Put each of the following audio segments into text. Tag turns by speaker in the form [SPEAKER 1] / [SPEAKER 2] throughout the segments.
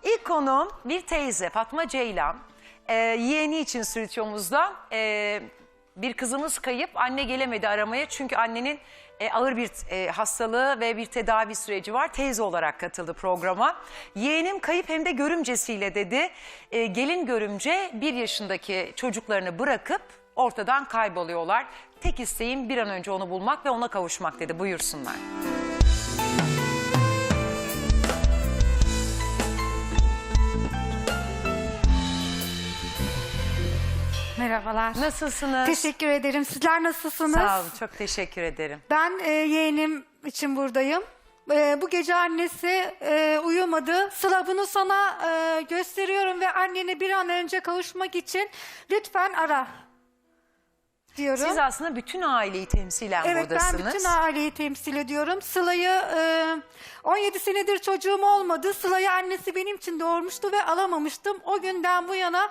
[SPEAKER 1] İlk konuğum bir teyze Fatma Ceylan. Yeğeni için stüdyomuzda. Bir kızımız kayıp, anne gelemedi aramaya çünkü annenin ağır bir hastalığı ve bir tedavi süreci var. Teyze olarak katıldı programa. Yeğenim kayıp hem de görümcesiyle dedi. Gelin görümce 1 yaşındaki çocuklarını bırakıp ortadan kayboluyorlar. Tek isteğim bir an önce onu bulmak ve ona kavuşmak dedi. Buyursunlar.
[SPEAKER 2] Merhabalar.
[SPEAKER 1] Nasılsınız?
[SPEAKER 2] Teşekkür ederim. Sizler nasılsınız?
[SPEAKER 1] Sağ olun, çok teşekkür ederim.
[SPEAKER 2] Ben yeğenim için buradayım. Bu gece annesi uyumadı. Sıla, bunu sana gösteriyorum ve annene bir an önce kavuşmak için lütfen ara diyorum.
[SPEAKER 1] Siz aslında bütün aileyi temsilen
[SPEAKER 2] Evet,
[SPEAKER 1] buradasınız.
[SPEAKER 2] ben bütün aileyi temsil ediyorum. Sıla'yı 17 senedir çocuğum olmadı. Sıla'yı annesi benim için doğurmuştu ve alamamıştım. O günden bu yana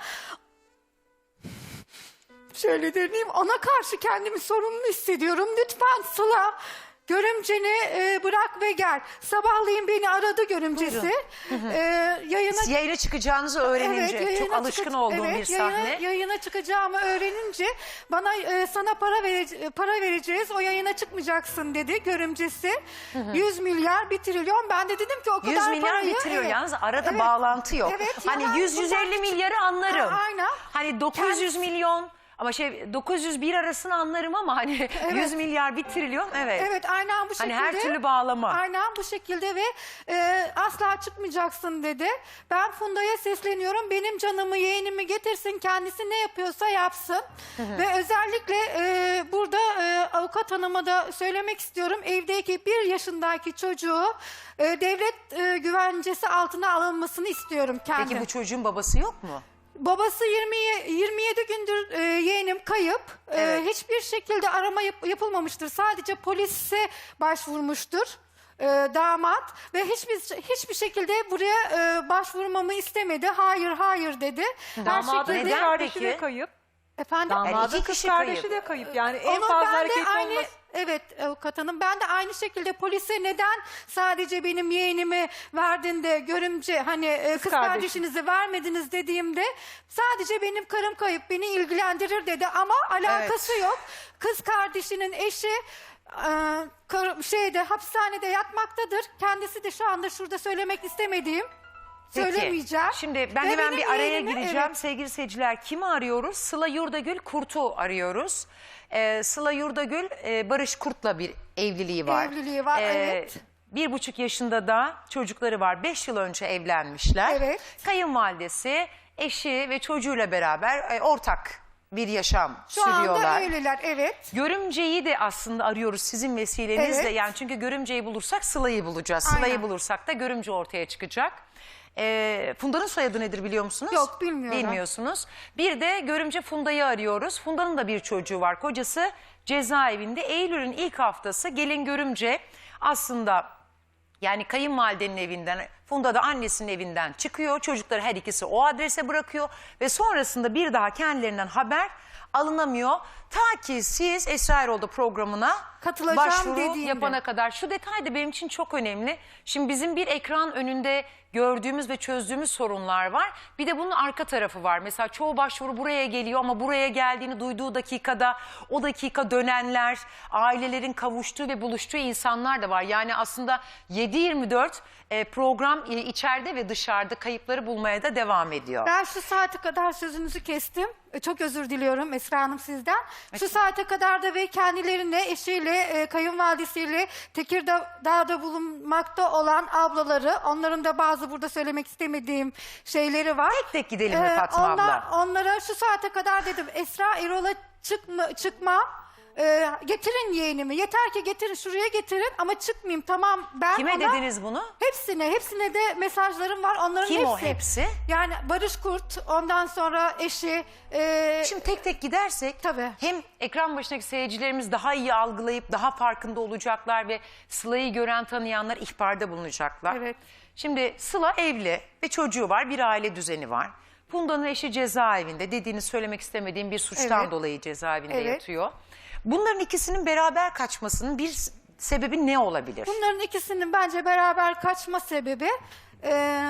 [SPEAKER 2] şöyle deneyeyim, ona karşı kendimi sorumlu hissediyorum. Lütfen Sıla, görümceni bırak ve gel. Sabahleyin beni aradı görümcesi.
[SPEAKER 1] Yayına çıkacağınızı öğrenince
[SPEAKER 2] yayına
[SPEAKER 1] çok alışkın olduğum bir sahne.
[SPEAKER 2] Yayına çıkacağımı öğrenince bana sana para vereceğiz, o yayına çıkmayacaksın dedi görümcesi. 100 milyar 1 trilyon. Ben de dedim ki o kadar
[SPEAKER 1] 100 milyar
[SPEAKER 2] parayı...
[SPEAKER 1] bitiriyor
[SPEAKER 2] Evet.
[SPEAKER 1] yalnız arada
[SPEAKER 2] Evet.
[SPEAKER 1] Evet. yok.
[SPEAKER 2] Evet,
[SPEAKER 1] Hani
[SPEAKER 2] yalan,
[SPEAKER 1] 100-150 milyarı anlarım.
[SPEAKER 2] Aynen.
[SPEAKER 1] Hani 900 milyon ama 901 arasını anlarım ama hani 100 milyar 1 trilyon evet.
[SPEAKER 2] Evet, aynen bu şekilde.
[SPEAKER 1] Hani her türlü bağlama.
[SPEAKER 2] Aynen bu şekilde ve asla çıkmayacaksın dedi. Ben Funda'ya sesleniyorum. Benim canımı, yeğenimi getirsin. Kendisi ne yapıyorsa yapsın. Ve özellikle burada avukat hanıma da söylemek istiyorum. Evdeki 1 yaşındaki çocuğu devlet güvencesi altına alınmasını istiyorum kendim.
[SPEAKER 1] Peki bu çocuğun babası yok mu?
[SPEAKER 2] Babası 27 gündür yeğenim kayıp.
[SPEAKER 1] Evet.
[SPEAKER 2] Hiçbir şekilde arama yapılmamıştır. Sadece polise başvurmuştur damat ve hiçbir şekilde buraya başvurmamı istemedi. Hayır dedi.
[SPEAKER 3] Damadın
[SPEAKER 1] Neden
[SPEAKER 3] kız kardeşi
[SPEAKER 1] peki?
[SPEAKER 3] de kayıp.
[SPEAKER 2] Efendim?
[SPEAKER 3] Damadın
[SPEAKER 1] iki
[SPEAKER 3] kız
[SPEAKER 1] kişi
[SPEAKER 3] kardeşi
[SPEAKER 1] kayıp.
[SPEAKER 3] de kayıp. Yani en
[SPEAKER 2] Onu
[SPEAKER 3] fazla
[SPEAKER 2] ben de
[SPEAKER 3] hareket
[SPEAKER 2] aynı,
[SPEAKER 3] olması.
[SPEAKER 2] evet avukat hanım, ben de aynı şekilde polise neden sadece benim yeğenimi verdin de görümce hani kız kardeşinizi vermediniz dediğimde sadece benim karım kayıp, beni ilgilendirir dedi ama alakası yok. Kız kardeşinin eşi hapishanede yatmaktadır. Kendisi de şu anda şurada söylemek istemediğim.
[SPEAKER 1] Peki.
[SPEAKER 2] Söylemeyeceğim.
[SPEAKER 1] Şimdi ben
[SPEAKER 2] Ve
[SPEAKER 1] hemen
[SPEAKER 2] benim
[SPEAKER 1] bir araya
[SPEAKER 2] yeğenimi,
[SPEAKER 1] gireceğim.
[SPEAKER 2] evet.
[SPEAKER 1] Sevgili seyirciler, kimi arıyoruz? Sıla Yurdagül Kurt'u arıyoruz. Sıla Yurdagül Barış Kurt'la bir evliliği var.
[SPEAKER 2] Evliliği var, evet.
[SPEAKER 1] 1,5 yaşında da çocukları var. 5 yıl önce evlenmişler.
[SPEAKER 2] Evet.
[SPEAKER 1] Kayınvalidesi, eşi ve çocuğuyla beraber ortak bir yaşam
[SPEAKER 2] Şu
[SPEAKER 1] sürüyorlar.
[SPEAKER 2] anda öyleler, evet.
[SPEAKER 1] Görümceyi de aslında arıyoruz sizin vesilenizle.
[SPEAKER 2] Evet.
[SPEAKER 1] Yani çünkü görümceyi bulursak Sıla'yı bulacağız. Sıla'yı
[SPEAKER 2] Aynen.
[SPEAKER 1] bulursak da görümce ortaya çıkacak. Funda'nın soyadı nedir biliyor musunuz?
[SPEAKER 2] Yok, bilmiyorum.
[SPEAKER 1] Bilmiyorsunuz. Bir de görümce Funda'yı arıyoruz. Funda'nın da bir çocuğu var. Kocası cezaevinde. Eylül'ün ilk haftası gelin görümce aslında yani kayınvalidenin evinden, Funda da annesinin evinden çıkıyor. Çocukları her ikisi o adrese bırakıyor ve sonrasında bir daha kendilerinden haber alınamıyor. Ta ki siz Esra Erol'da programına
[SPEAKER 2] Katılacağım
[SPEAKER 1] başvuru
[SPEAKER 2] dediğinde.
[SPEAKER 1] yapana kadar. Şu detay da benim için çok önemli. Şimdi bizim bir ekran önünde gördüğümüz ve çözdüğümüz sorunlar var. Bir de bunun arka tarafı var. Mesela çoğu başvuru buraya geliyor ama buraya geldiğini duyduğu dakikada o dakika dönenler, ailelerin kavuştuğu ve buluştuğu insanlar da var. Yani aslında 7/24 program içeride ve dışarıda kayıpları bulmaya da devam ediyor.
[SPEAKER 2] Ben şu saate kadar sözünüzü kestim. Çok özür diliyorum Esra Hanım sizden. Şu saate kadar da ve kendilerine, eşiyle, kayınvalidesiyle Tekirdağ'da bulunmakta olan ablaları, onların da bazı burada söylemek istemediğim şeyleri var.
[SPEAKER 1] Tek tek gidelim mi Fatma abla?
[SPEAKER 2] Onlara şu saate kadar dedim, Esra Erol'a çıkma. Getirin yeğenimi. Yeter ki getirin, şuraya getirin ama çıkmayayım. Tamam, ben
[SPEAKER 1] Kime
[SPEAKER 2] ona...
[SPEAKER 1] dediniz bunu?
[SPEAKER 2] Hepsine de mesajlarım var. Onların
[SPEAKER 1] Kim
[SPEAKER 2] hepsi.
[SPEAKER 1] o hepsi?
[SPEAKER 2] Yani Barış Kurt, ondan sonra eşi.
[SPEAKER 1] Şimdi tek tek gidersek
[SPEAKER 2] Tabii.
[SPEAKER 1] hem ekran başındaki seyircilerimiz daha iyi algılayıp daha farkında olacaklar ve Sıla'yı gören tanıyanlar ihbarda bulunacaklar.
[SPEAKER 2] Evet.
[SPEAKER 1] Şimdi Sıla evli ve çocuğu var, bir aile düzeni var. Funda'nın eşi cezaevinde, dediğini söylemek istemediğim bir suçtan
[SPEAKER 2] Evet.
[SPEAKER 1] dolayı cezaevinde
[SPEAKER 2] Evet.
[SPEAKER 1] yatıyor. Bunların ikisinin beraber kaçmasının bir sebebi ne olabilir?
[SPEAKER 2] Bunların ikisinin bence beraber kaçma sebebi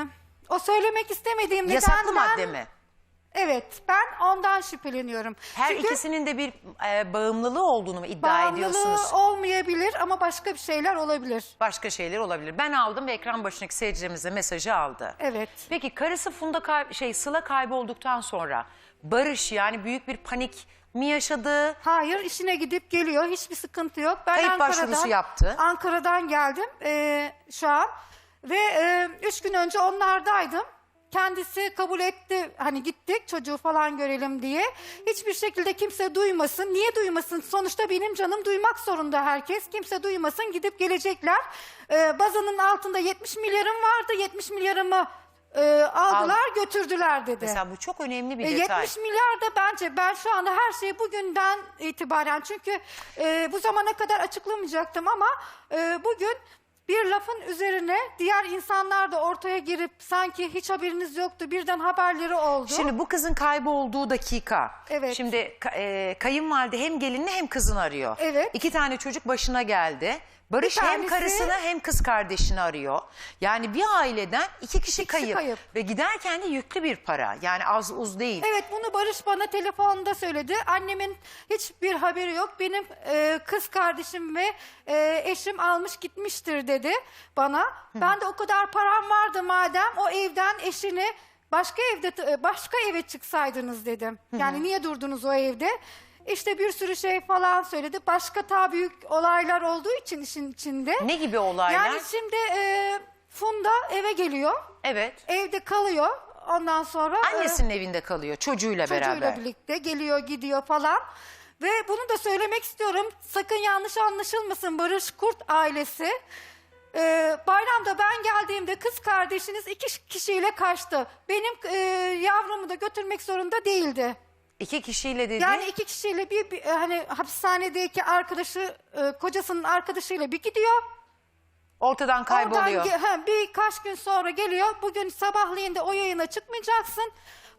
[SPEAKER 2] O söylemek istemediğim
[SPEAKER 1] Yasaklı
[SPEAKER 2] nedenden...
[SPEAKER 1] madde mi?
[SPEAKER 2] Evet, ben ondan şüpheleniyorum.
[SPEAKER 1] Her
[SPEAKER 2] Çünkü
[SPEAKER 1] ikisinin de bir bağımlılığı olduğunu mu iddia ediyorsunuz?
[SPEAKER 2] bağımlılığı olmayabilir ama başka bir şeyler olabilir.
[SPEAKER 1] Başka şeyler olabilir. Ben aldım ve ekran başındaki seyircilerimiz de mesajı aldı.
[SPEAKER 2] Evet.
[SPEAKER 1] Peki karısı Sıla kaybolduktan sonra Barış yani büyük bir panik mi yaşadı?
[SPEAKER 2] Hayır, işine gidip geliyor. Hiçbir sıkıntı yok. Ben
[SPEAKER 1] Kayıp başvurusu yaptı.
[SPEAKER 2] Ankara'dan geldim şu an. Ve 3 gün önce onlardaydım. Kendisi kabul etti. Hani gittik çocuğu falan görelim diye. Hiçbir şekilde kimse duymasın. Niye duymasın? Sonuçta benim canım duymak zorunda herkes. Kimse duymasın, gidip gelecekler. Bazanın altında 70 milyarım vardı. 70 milyarımı aldılar, götürdüler dedi.
[SPEAKER 1] Mesela bu çok önemli bir detay.
[SPEAKER 2] 70 milyar da bence, ben şu anda her şeyi bugünden itibaren, çünkü bu zamana kadar açıklamayacaktım ama bugün bir lafın üzerine diğer insanlar da ortaya girip sanki hiç haberiniz yoktu, birden haberleri oldu.
[SPEAKER 1] Şimdi bu kızın kaybolduğu dakika.
[SPEAKER 2] Evet.
[SPEAKER 1] Şimdi kayınvalide hem gelinini hem kızını arıyor.
[SPEAKER 2] Evet.
[SPEAKER 1] 2 tane çocuk başına geldi. Barış
[SPEAKER 2] Bir
[SPEAKER 1] hem
[SPEAKER 2] tanesi-
[SPEAKER 1] karısını hem kız kardeşini arıyor. Yani bir aileden 2 kişi kayıp.
[SPEAKER 2] kayıp.
[SPEAKER 1] Ve giderken de yüklü bir para. Yani az uz değil.
[SPEAKER 2] Evet, bunu Barış bana telefonda söyledi. Annemin hiçbir haberi yok. Benim kız kardeşim ve eşim almış gitmiştir dedi bana. Ben de o kadar param vardı madem, o evden eşini başka eve çıksaydınız dedim. Yani niye durdunuz o evde? İşte bir sürü şey falan söyledi. Başka daha büyük olaylar olduğu için işin içinde.
[SPEAKER 1] Ne gibi olaylar?
[SPEAKER 2] Yani şimdi Funda eve geliyor.
[SPEAKER 1] Evet.
[SPEAKER 2] Evde kalıyor. Ondan sonra
[SPEAKER 1] Annesinin evinde kalıyor çocuğuyla beraber.
[SPEAKER 2] çocuğuyla birlikte geliyor gidiyor falan. Ve bunu da söylemek istiyorum. Sakın yanlış anlaşılmasın Barış Kurt ailesi. Bayramda ben geldiğimde kız kardeşiniz 2 kişiyle kaçtı. Benim yavrumu da götürmek zorunda değildi.
[SPEAKER 1] 2 kişiyle dedi.
[SPEAKER 2] Yani 2 kişiyle hani hapishanedeki arkadaşı, kocasının arkadaşıyla bir gidiyor.
[SPEAKER 1] Ortadan kayboluyor.
[SPEAKER 2] Birkaç gün sonra geliyor. Bugün sabahleyin de o yayına çıkmayacaksın.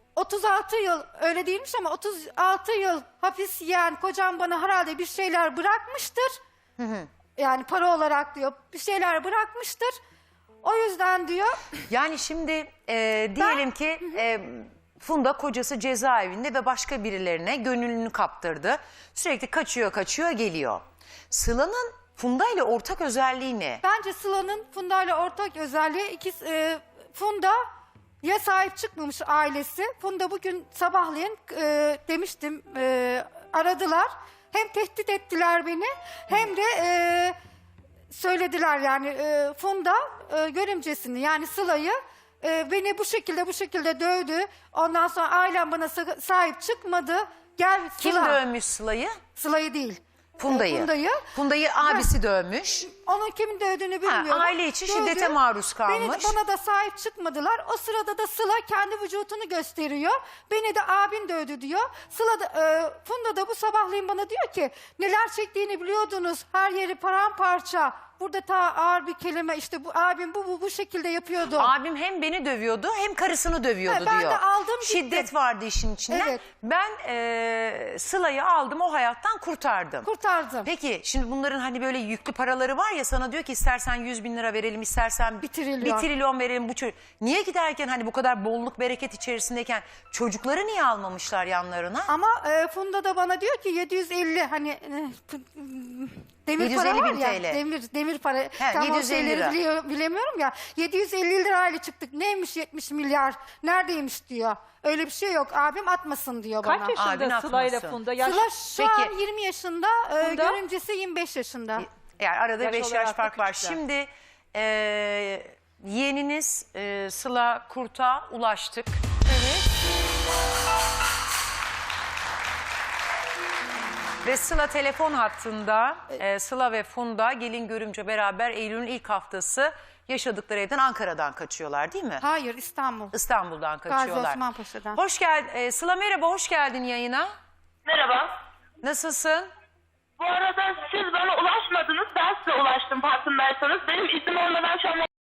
[SPEAKER 2] 36 yıl, öyle değilmiş ama 36 yıl hapis yiyen kocam bana herhalde bir şeyler bırakmıştır. Yani para olarak diyor, bir şeyler bırakmıştır. O yüzden diyor.
[SPEAKER 1] Yani şimdi diyelim ki Funda kocası cezaevinde ve başka birilerine gönlünü kaptırdı. Sürekli kaçıyor geliyor. Sıla'nın Funda ile ortak özelliği ne?
[SPEAKER 2] Bence Sıla'nın Funda ile ortak özelliği Funda ya sahip çıkmamış ailesi. Funda bugün sabahleyin demiştim aradılar. Hem tehdit ettiler beni hem de söylediler yani Funda görümcesini yani Sıla'yı beni bu şekilde dövdü. Ondan sonra ailem bana sahip çıkmadı. Gel Sıla.
[SPEAKER 1] Kim dövmüş Sıla'yı?
[SPEAKER 2] Sıla'yı değil.
[SPEAKER 1] Funda'yı. Funda'yı abisi dövmüş.
[SPEAKER 2] Onun kimin dövdüğünü bilmiyorum.
[SPEAKER 1] Aile içi
[SPEAKER 2] Dövdü.
[SPEAKER 1] şiddete maruz kalmış.
[SPEAKER 2] Bana da sahip çıkmadılar. O sırada da Sıla kendi vücudunu gösteriyor. Beni de abin dövdü diyor. Funda da bu sabahleyin bana diyor ki neler çektiğini biliyordunuz. Her yeri paramparça. Burada ta ağır bir kelime işte bu abim bu şekilde yapıyordu.
[SPEAKER 1] Abim hem beni dövüyordu hem karısını dövüyordu
[SPEAKER 2] Ben
[SPEAKER 1] diyor.
[SPEAKER 2] de aldım gittim.
[SPEAKER 1] Şiddet vardı işin içinde.
[SPEAKER 2] Evet.
[SPEAKER 1] Ben Sıla'yı aldım o hayattan kurtardım.
[SPEAKER 2] Kurtardım.
[SPEAKER 1] Peki şimdi bunların hani böyle yüklü paraları var ya sana diyor ki istersen 100.000 lira verelim istersen
[SPEAKER 2] 1 trilyon.
[SPEAKER 1] 1 trilyon verelim bu çocuk. Niye giderken hani bu kadar bolluk bereket içerisindeyken çocukları niye almamışlar yanlarına?
[SPEAKER 2] Ama Funda da bana diyor ki 750 hani demir para
[SPEAKER 1] 750
[SPEAKER 2] var
[SPEAKER 1] bin
[SPEAKER 2] ya.
[SPEAKER 1] TL.
[SPEAKER 2] Demir para. Tam o
[SPEAKER 1] 750
[SPEAKER 2] şeyleri
[SPEAKER 1] lira.
[SPEAKER 2] bilemiyorum ya. 750 lirayla çıktık. Neymiş 70 milyar? Neredeymiş diyor. Öyle bir şey yok. Abim atmasın diyor bana.
[SPEAKER 3] Kaç yaşında
[SPEAKER 1] Abin
[SPEAKER 3] Sıla ile
[SPEAKER 1] atmasın.
[SPEAKER 3] Funda? Yaş,
[SPEAKER 2] Sıla şu
[SPEAKER 1] Peki.
[SPEAKER 2] an 20 yaşında.
[SPEAKER 3] Funda?
[SPEAKER 2] Görümcesi 25 yaşında.
[SPEAKER 1] Yani arada
[SPEAKER 3] Yaş
[SPEAKER 1] 5 yaş
[SPEAKER 3] olarak da
[SPEAKER 1] fark var.
[SPEAKER 3] küçükler.
[SPEAKER 1] Şimdi yeğeniniz Sıla Kurt'a ulaştık.
[SPEAKER 2] Evet.
[SPEAKER 1] Ve Sıla telefon hattında. Sıla ve Funda gelin görümce beraber Eylül'ün ilk haftası yaşadıkları evden Ankara'dan kaçıyorlar değil mi?
[SPEAKER 2] Hayır, İstanbul.
[SPEAKER 1] İstanbul'dan
[SPEAKER 2] Gazi
[SPEAKER 1] kaçıyorlar.
[SPEAKER 2] Osman Paşa'dan.
[SPEAKER 1] Hoş geldin. Sıla merhaba, hoş geldin yayına.
[SPEAKER 4] Merhaba.
[SPEAKER 1] Nasılsın?
[SPEAKER 4] Bu arada siz bana ulaşmadınız. Ben size ulaştım farkındaysanız. Benim iznim olmadan şu an...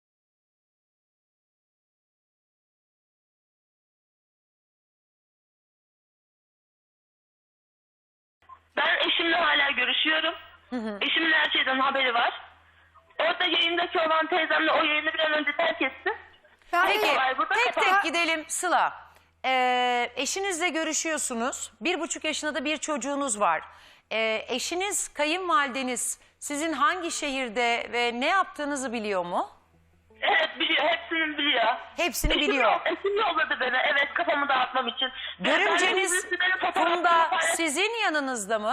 [SPEAKER 4] Ben eşimle hala görüşüyorum. Eşimin her şeyden haberi var. Orada yayındaki olan teyzemle o yayını bir an önce terk etsin.
[SPEAKER 2] Ben
[SPEAKER 1] Peki
[SPEAKER 4] olay burada
[SPEAKER 1] tek
[SPEAKER 4] kapat.
[SPEAKER 1] tek gidelim Sıla. Eşinizle görüşüyorsunuz. 1,5 yaşında da bir çocuğunuz var. Eşiniz, kayınvalideniz sizin hangi şehirde ve ne yaptığınızı biliyor mu?
[SPEAKER 4] Evet biliyor, hepsini biliyor.
[SPEAKER 1] Hepsini
[SPEAKER 4] Eşim
[SPEAKER 1] biliyor.
[SPEAKER 4] Eşim yolladı beni, evet, kafamı dağıtmam için.
[SPEAKER 1] Görümceniz Funda sizin yanınızda mı?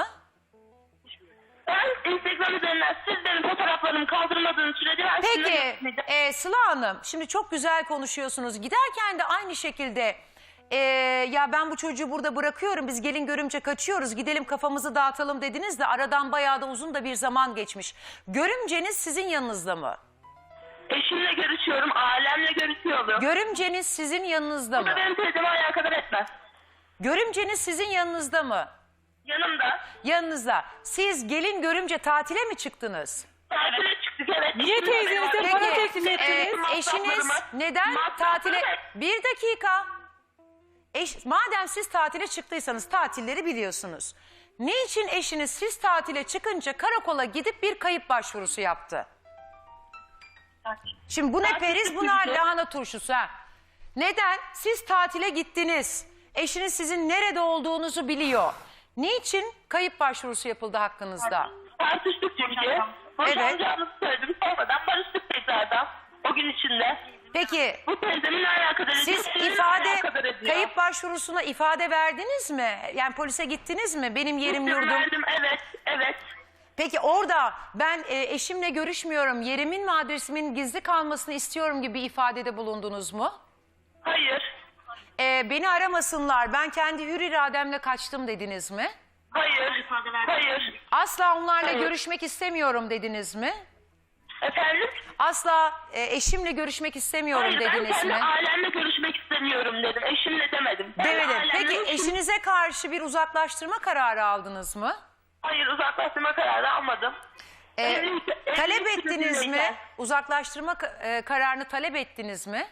[SPEAKER 4] Ben Instagram üzerinden siz benim fotoğraflarımı kaldırmadığınız sürece ben sizinle
[SPEAKER 1] Peki
[SPEAKER 4] görüşmeyeceğim.
[SPEAKER 1] Sıla Hanım şimdi çok güzel konuşuyorsunuz. Giderken de aynı şekilde ya ben bu çocuğu burada bırakıyorum, biz gelin görümce kaçıyoruz, gidelim kafamızı dağıtalım dediniz de aradan bayağı da uzun da bir zaman geçmiş. Görümceniz sizin yanınızda mı?
[SPEAKER 4] Eşimle görüşüyorum, ailemle görüşüyorum.
[SPEAKER 1] Görümceniz sizin yanınızda
[SPEAKER 4] Bu da
[SPEAKER 1] mı?
[SPEAKER 4] benim teyzeme alakadar etmez.
[SPEAKER 1] Görümceniz sizin yanınızda mı?
[SPEAKER 4] Yanımda.
[SPEAKER 1] Yanınızda. Siz gelin görümce tatile mi çıktınız?
[SPEAKER 4] Tatile çıktık, evet.
[SPEAKER 3] Niye teyzenize para teklif ettiniz?
[SPEAKER 1] Eşiniz neden tatile... Bir dakika. Madem siz tatile çıktıysanız tatilleri biliyorsunuz. Niçin eşiniz siz tatile çıkınca karakola gidip bir kayıp başvurusu yaptı? Şimdi bu ne periz, bu ne lahana turşusu ha? Neden? Siz tatile gittiniz. Eşiniz sizin nerede olduğunuzu biliyor. Niçin kayıp başvurusu yapıldı hakkınızda?
[SPEAKER 4] Tartıştık çünkü. Boşanacağımızı söyledim. Sonradan barıştık tekrardan. O gün içinde.
[SPEAKER 1] Peki
[SPEAKER 4] Bu teyzemin alakadar ediyor.
[SPEAKER 1] siz
[SPEAKER 4] seninle
[SPEAKER 1] ifade,
[SPEAKER 4] alakadar ediyor.
[SPEAKER 1] kayıp başvurusuna ifade verdiniz mi? Yani polise gittiniz mi? Benim yerim
[SPEAKER 4] Gittim,
[SPEAKER 1] yurdum.
[SPEAKER 4] verdim, evet, evet.
[SPEAKER 1] Peki orada ben eşimle görüşmüyorum, yerimin ve adresimin gizli kalmasını istiyorum gibi ifadede bulundunuz mu?
[SPEAKER 4] Hayır.
[SPEAKER 1] Beni aramasınlar, ben kendi hür irademle kaçtım dediniz mi?
[SPEAKER 4] Hayır. Hayır.
[SPEAKER 1] Asla onlarla
[SPEAKER 4] Hayır.
[SPEAKER 1] görüşmek istemiyorum dediniz mi?
[SPEAKER 4] Efendim?
[SPEAKER 1] Asla eşimle görüşmek istemiyorum
[SPEAKER 4] Hayır, ben
[SPEAKER 1] dediniz
[SPEAKER 4] kendi
[SPEAKER 1] mi?
[SPEAKER 4] ailemle görüşmek istemiyorum dedim. Eşimle demedim. Ben
[SPEAKER 1] Demedim.
[SPEAKER 4] ailemle
[SPEAKER 1] Peki
[SPEAKER 4] görüşmek-
[SPEAKER 1] eşinize karşı bir uzaklaştırma kararı aldınız mı?
[SPEAKER 4] Hayır, uzaklaştırma kararı almadım.
[SPEAKER 1] Talep ettiniz mi? Uzaklaştırma kararını talep ettiniz mi?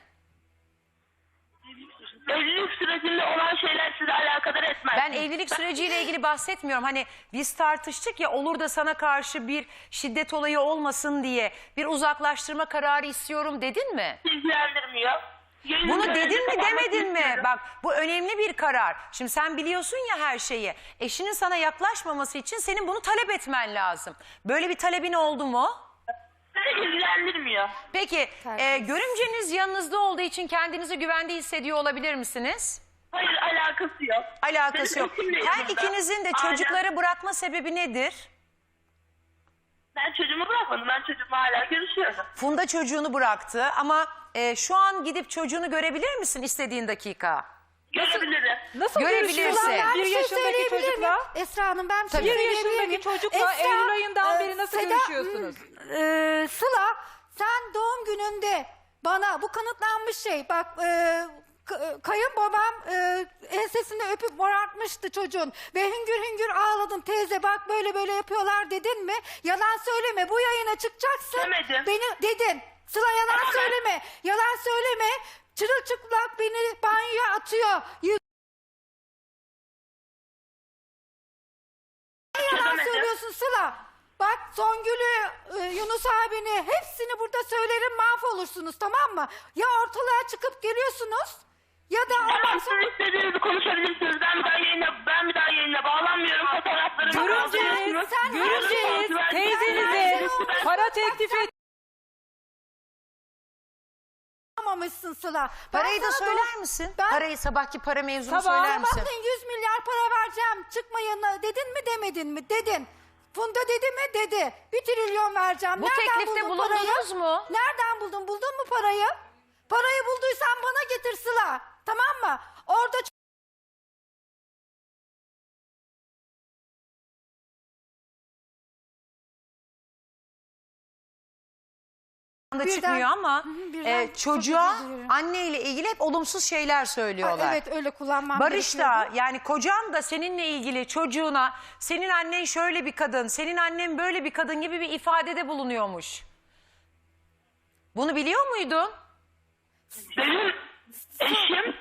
[SPEAKER 4] Evlilik sürecinde olan şeyler size alakadar etmez.
[SPEAKER 1] Ben evlilik süreciyle ilgili bahsetmiyorum. Hani biz tartıştık ya, olur da sana karşı bir şiddet olayı olmasın diye bir uzaklaştırma kararı istiyorum dedin mi?
[SPEAKER 4] ilgilendirmiyor.
[SPEAKER 1] Bunu dedin mi demedin mi? Bak bu önemli bir karar. Şimdi sen biliyorsun ya her şeyi. Eşinin sana yaklaşmaması için senin bunu talep etmen lazım. Böyle bir talebin oldu mu?
[SPEAKER 4] Beni ilgilendirmiyor.
[SPEAKER 1] Peki görümceniz yanınızda olduğu için kendinizi güvende hissediyor olabilir misiniz?
[SPEAKER 4] Hayır, alakası yok.
[SPEAKER 1] Alakası
[SPEAKER 4] Benim
[SPEAKER 1] yok.
[SPEAKER 4] eşim de
[SPEAKER 1] Her
[SPEAKER 4] yanımda.
[SPEAKER 1] ikinizin de
[SPEAKER 4] Aynen.
[SPEAKER 1] çocukları bırakma sebebi nedir?
[SPEAKER 4] Ben çocuğumu bırakmadım. Ben çocuğumla hala görüşüyorum.
[SPEAKER 1] Funda çocuğunu bıraktı ama şu an gidip çocuğunu görebilir misin istediğin dakika?
[SPEAKER 4] Görebilirim.
[SPEAKER 3] Nasıl
[SPEAKER 1] Görebilirsin.
[SPEAKER 3] görüşüyorlar?
[SPEAKER 2] Ben
[SPEAKER 3] Bir
[SPEAKER 2] bir şey
[SPEAKER 3] yaşındaki
[SPEAKER 2] söyleyebilir miyim?
[SPEAKER 3] çocukla.
[SPEAKER 2] Esra Hanım ben bir şey
[SPEAKER 1] Tabii.
[SPEAKER 3] 1
[SPEAKER 2] söyleyebilir
[SPEAKER 3] yaşındaki
[SPEAKER 2] miyim?
[SPEAKER 3] çocukla
[SPEAKER 2] Esra,
[SPEAKER 3] Eylül ayından beri nasıl
[SPEAKER 2] Seda,
[SPEAKER 3] görüşüyorsunuz?
[SPEAKER 2] Sıla sen doğum gününde bana bu kanıtlanmış şey bak kayınbabam ensesinde öpüp morartmıştı çocuğun ve hüngür hüngür ağladın teyze bak böyle böyle yapıyorlar dedin mi? Yalan söyleme bu yayına çıkacaksın.
[SPEAKER 4] Demedim.
[SPEAKER 2] Beni dedin. Sıla yalan
[SPEAKER 4] Ama ben-
[SPEAKER 2] söyleme. Yalan söyleme. Çırılçıplak beni banyoya atıyor. Yalan
[SPEAKER 4] Demedim.
[SPEAKER 2] söylüyorsun Sıla. Bak Songül'ü, Yunus abini hepsini burada söylerim mahvolursunuz tamam mı? Ya ortalığa çıkıp geliyorsunuz ya da ondan
[SPEAKER 4] Tamam,
[SPEAKER 2] sonra...
[SPEAKER 4] siz istediğinizi konuşabilirsiniz. Ben bir daha yayına bağlanmıyorum. Fotoğraflarımı
[SPEAKER 3] Görümceniz,
[SPEAKER 2] Sen-
[SPEAKER 3] görümceniz
[SPEAKER 2] Sen-
[SPEAKER 3] teyzenize
[SPEAKER 2] Sen-
[SPEAKER 3] para teklif et.
[SPEAKER 2] Yapamamışsın Sıla. Ben
[SPEAKER 1] Parayı da
[SPEAKER 2] sana
[SPEAKER 1] söyler misin?
[SPEAKER 2] Ben-
[SPEAKER 1] Parayı sabahki para mevzunu
[SPEAKER 3] Sabah-
[SPEAKER 1] söyler misin?
[SPEAKER 2] Bakın 100 milyar para vereceğim. Çıkma yanına dedin mi demedin mi? Dedin. Funda dedi mi? Dedi. 1 trilyon vereceğim.
[SPEAKER 1] Bu
[SPEAKER 2] Nereden
[SPEAKER 1] teklifte
[SPEAKER 2] buldun
[SPEAKER 1] bulundunuz
[SPEAKER 2] parayı?
[SPEAKER 1] mu?
[SPEAKER 2] Nereden buldun? Buldun mu parayı? Parayı bulduysan bana getir Sıla. Tamam mı? Orada
[SPEAKER 1] anda
[SPEAKER 2] Birden-
[SPEAKER 1] çıkmıyor ama
[SPEAKER 2] Hı hı, birden çok
[SPEAKER 1] çocuğa
[SPEAKER 2] özür dilerim.
[SPEAKER 1] anneyle ilgili hep olumsuz şeyler söylüyorlar.
[SPEAKER 2] evet öyle kullanmam
[SPEAKER 1] Barış da
[SPEAKER 2] gerekiyordu.
[SPEAKER 1] yani kocan da seninle ilgili çocuğuna senin annen şöyle bir kadın, senin annen böyle bir kadın gibi bir ifadede bulunuyormuş. Bunu biliyor muydun?
[SPEAKER 4] Benim eşim,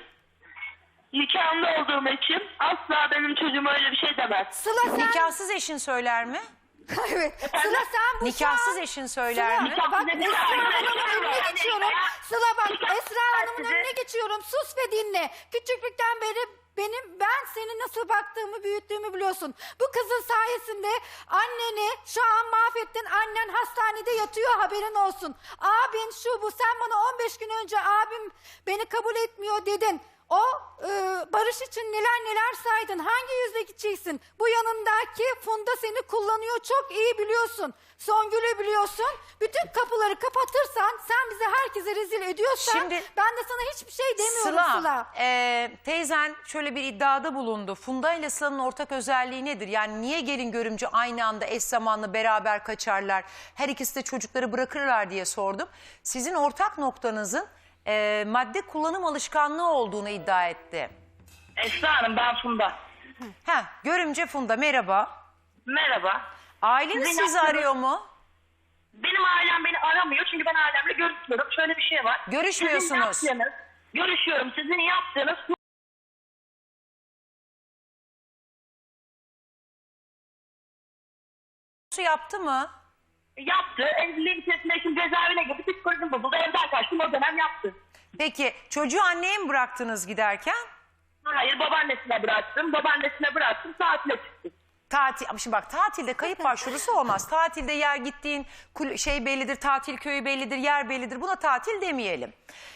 [SPEAKER 4] nikahımda olduğum eşim asla benim çocuğuma öyle bir şey demez.
[SPEAKER 2] Sıla sen
[SPEAKER 1] Nikahsız eşin söyler mi?
[SPEAKER 2] Evet. Sıla sen bu
[SPEAKER 1] Nikahsız
[SPEAKER 2] şu an...
[SPEAKER 1] eşin söyler mi?
[SPEAKER 2] Sıla, bak
[SPEAKER 4] Nikahsız
[SPEAKER 2] Esra
[SPEAKER 4] eşim
[SPEAKER 2] Hanım'ın
[SPEAKER 4] söyler.
[SPEAKER 2] önüne geçiyorum. Sıla bak Esra Hanım'ın
[SPEAKER 4] Size-
[SPEAKER 2] önüne geçiyorum. Sus ve dinle. Küçüklükten beri ben seni nasıl baktığımı, büyüttüğümü biliyorsun. Bu kızın sayesinde anneni şu an mahvettin. Annen hastanede yatıyor, haberin olsun. Abin şu bu, sen bana 15 gün önce abim beni kabul etmiyor dedin. O barış için neler saydın. Hangi yüzle gideceksin? Bu yanındaki Funda seni kullanıyor, çok iyi biliyorsun. Songül'ü biliyorsun. Bütün kapıları kapatırsan, sen bizi herkese rezil ediyorsan,
[SPEAKER 1] Şimdi-
[SPEAKER 2] ben de sana hiçbir şey demiyorum Sıla.
[SPEAKER 1] Teyzen şöyle bir iddiada bulundu. Funda ile Sıla'nın ortak özelliği nedir? Yani niye gelin görümce aynı anda eş zamanlı beraber kaçarlar? Her ikisi de çocukları bırakırlar diye sordum. Sizin ortak noktanızın madde kullanım alışkanlığı olduğunu iddia etti.
[SPEAKER 4] Esra Hanım, ben Funda.
[SPEAKER 1] Görümce Funda, merhaba.
[SPEAKER 4] Merhaba.
[SPEAKER 1] Aileniz
[SPEAKER 4] Sizin
[SPEAKER 1] sizi
[SPEAKER 4] yaptığınız-
[SPEAKER 1] arıyor mu?
[SPEAKER 4] Benim ailem beni aramıyor çünkü ben ailemle görüşmüyorum. Şöyle bir şey var.
[SPEAKER 1] Görüşmüyorsunuz.
[SPEAKER 4] Görüşüyorum. Sizin yaptığınız
[SPEAKER 1] Yaptı mı?
[SPEAKER 4] yaptı. Evliliğin içerisinde eşim cezaevine girdi. Psikolojim bozuldu. Evden kaçtım. O dönem yaptı.
[SPEAKER 1] Peki çocuğu anneye mi bıraktınız giderken?
[SPEAKER 4] Hayır, babaannesine bıraktım. Babaannesine bıraktım. Tatile çıktım.
[SPEAKER 1] Tatil, ama şimdi bak, tatilde kayıp başvurusu olmaz. Tatilde yer gittiğin şey bellidir, tatil köyü bellidir, yer bellidir. Buna tatil demeyelim.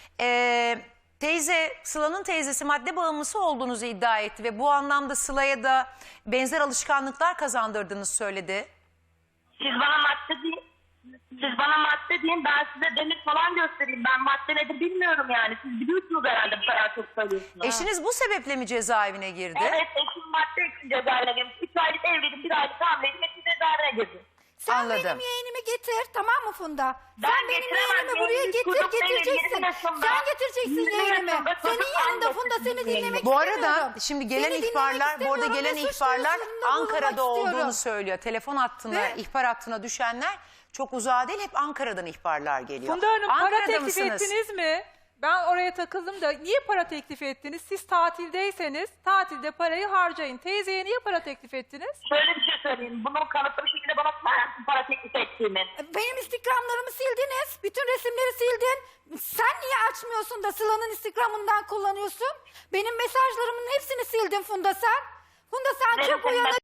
[SPEAKER 1] Teyze, Sıla'nın teyzesi madde bağımlısı olduğunuzu iddia etti ve bu anlamda Sıla'ya da benzer alışkanlıklar kazandırdığını söyledi.
[SPEAKER 4] Siz bana madde deyin. Siz bana madde deyin. Ben size demir falan göstereyim. Ben madde nedir bilmiyorum yani. Siz biliyorsunuz herhalde, bu kadar çok söylüyorsunuz.
[SPEAKER 1] Eşiniz bu sebeple mi cezaevine girdi?
[SPEAKER 4] Evet, eşim madde için cezaevine girmiş. 3 aylık evliydim, 1 aylık hamileydim. Eşim cezaevine girdi.
[SPEAKER 2] Sen
[SPEAKER 1] Anladım.
[SPEAKER 2] benim yeğenimi getir, tamam mı Funda?
[SPEAKER 4] Ben
[SPEAKER 2] Sen benim
[SPEAKER 4] getiremem,
[SPEAKER 2] yeğenimi buraya
[SPEAKER 4] yeğenimiz çocuk benim,
[SPEAKER 2] getireceksin.
[SPEAKER 4] 20 yaşında.
[SPEAKER 2] Sen getireceksin
[SPEAKER 4] 20
[SPEAKER 2] yeğenimi.
[SPEAKER 4] yaşında
[SPEAKER 2] Senin
[SPEAKER 4] çocuk
[SPEAKER 2] yanında
[SPEAKER 4] annesi
[SPEAKER 2] Funda, seni
[SPEAKER 4] yeğenim.
[SPEAKER 2] dinlemek
[SPEAKER 1] Bu
[SPEAKER 2] istemiyorum.
[SPEAKER 1] arada şimdi gelen
[SPEAKER 2] Seni dinlemek
[SPEAKER 1] ihbarlar, bu arada
[SPEAKER 2] istemiyorum
[SPEAKER 1] gelen
[SPEAKER 2] ve suç
[SPEAKER 1] ihbarlar
[SPEAKER 2] duyurusunda
[SPEAKER 1] Ankara'da
[SPEAKER 2] bulunmak
[SPEAKER 1] olduğunu
[SPEAKER 2] istiyorum.
[SPEAKER 1] söylüyor. Telefon hattına,
[SPEAKER 2] Ve-
[SPEAKER 1] ihbar hattına düşenler çok uzağa değil, hep Ankara'dan ihbarlar geliyor.
[SPEAKER 3] Funda Hanım, para
[SPEAKER 1] Ankara'da
[SPEAKER 3] teklif
[SPEAKER 1] mısınız?
[SPEAKER 3] ettiniz mi? Ben oraya takıldım da niye para teklif ettiniz? Siz tatildeyseniz tatilde parayı harcayın. Teyzeye niye para teklif ettiniz?
[SPEAKER 4] Şöyle bir şey söyleyeyim. Bunu kanıtlı bir şekilde bana söyler misin para teklif ettiğimi?
[SPEAKER 2] Benim Instagram'larımı sildiniz. Bütün resimleri sildin. Sen niye açmıyorsun da Sıla'nın Instagram'ından kullanıyorsun? Benim mesajlarımın hepsini sildin Funda sen. Funda sen
[SPEAKER 4] Benim
[SPEAKER 2] çok uyanık.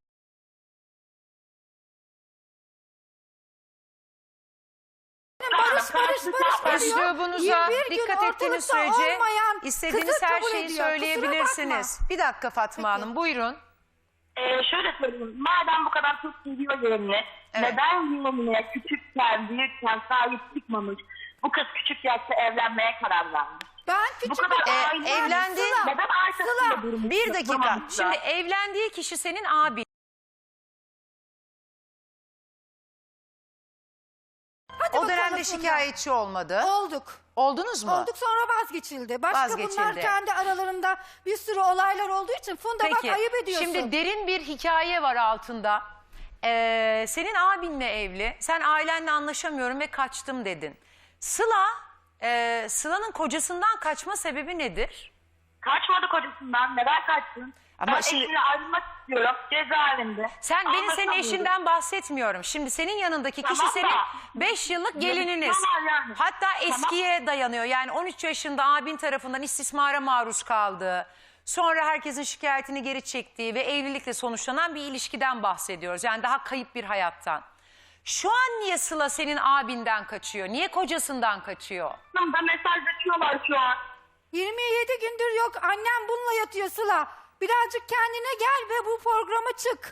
[SPEAKER 2] Barış diyor.
[SPEAKER 1] Üslubunuza
[SPEAKER 2] 21 gün
[SPEAKER 1] dikkat ettiğiniz
[SPEAKER 2] ortalıkta
[SPEAKER 1] sürece
[SPEAKER 2] olmayan
[SPEAKER 1] istediğiniz
[SPEAKER 2] kızı
[SPEAKER 1] her
[SPEAKER 2] kabul
[SPEAKER 1] şeyi
[SPEAKER 2] ediyor. Kusura
[SPEAKER 1] söyleyebilirsiniz. Bir dakika Fatma
[SPEAKER 2] Peki.
[SPEAKER 1] Hanım, buyurun.
[SPEAKER 4] Şöyle söyleyeyim. Madem bu kadar çok seviyor yeğenini,
[SPEAKER 1] Evet.
[SPEAKER 4] neden yeğenine küçükken, büyükken sahip çıkmamış? Bu kız küçük yaşta evlenmeye karar vermiş.
[SPEAKER 2] Ben
[SPEAKER 4] Bu
[SPEAKER 2] küçük
[SPEAKER 4] kadar aile
[SPEAKER 1] evlendi.
[SPEAKER 4] neden arkasında durmuş?
[SPEAKER 1] Bir dakika.
[SPEAKER 4] Durmamışlar?
[SPEAKER 1] Şimdi evlendiği kişi senin abin.
[SPEAKER 2] Hadi
[SPEAKER 1] O
[SPEAKER 2] bakalım
[SPEAKER 1] dönemde
[SPEAKER 2] Funda.
[SPEAKER 1] şikayetçi olmadı.
[SPEAKER 2] Olduk.
[SPEAKER 1] Oldunuz mu?
[SPEAKER 2] Olduk, sonra vazgeçildi. Başka bunlar
[SPEAKER 1] Vazgeçildi.
[SPEAKER 2] kendi aralarında bir sürü olaylar olduğu için Funda bak ayıp ediyorsun.
[SPEAKER 1] Şimdi derin bir hikaye var altında. Senin abinle evli. Sen ailenle anlaşamıyorum ve kaçtım dedin. Sıla'nın kocasından kaçma sebebi nedir?
[SPEAKER 4] Kaçmadı kocasından. Neden kaçtın?
[SPEAKER 1] Ama
[SPEAKER 4] ben
[SPEAKER 1] şimdi-
[SPEAKER 4] eşimle ayrılmak istiyorum. Cezaevinde.
[SPEAKER 1] Ben senin
[SPEAKER 4] Anlatamıyorum.
[SPEAKER 1] eşinden bahsetmiyorum. Şimdi senin yanındaki kişi
[SPEAKER 4] Tamam da-
[SPEAKER 1] senin 5 yıllık gelininiz.
[SPEAKER 4] Tamam yani.
[SPEAKER 1] Hatta eskiye dayanıyor. Yani 13 yaşında abin tarafından istismara maruz kaldığı, sonra herkesin şikayetini geri çektiği ve evlilikle sonuçlanan bir ilişkiden bahsediyoruz. Yani daha kayıp bir hayattan. Şu an niye Sıla senin abinden kaçıyor? Niye kocasından kaçıyor?
[SPEAKER 4] Da mesajlaşıyorlar şu an.
[SPEAKER 2] 27 gündür yok, annem bununla yatıyor Sıla. Birazcık kendine gel ve bu programa çık.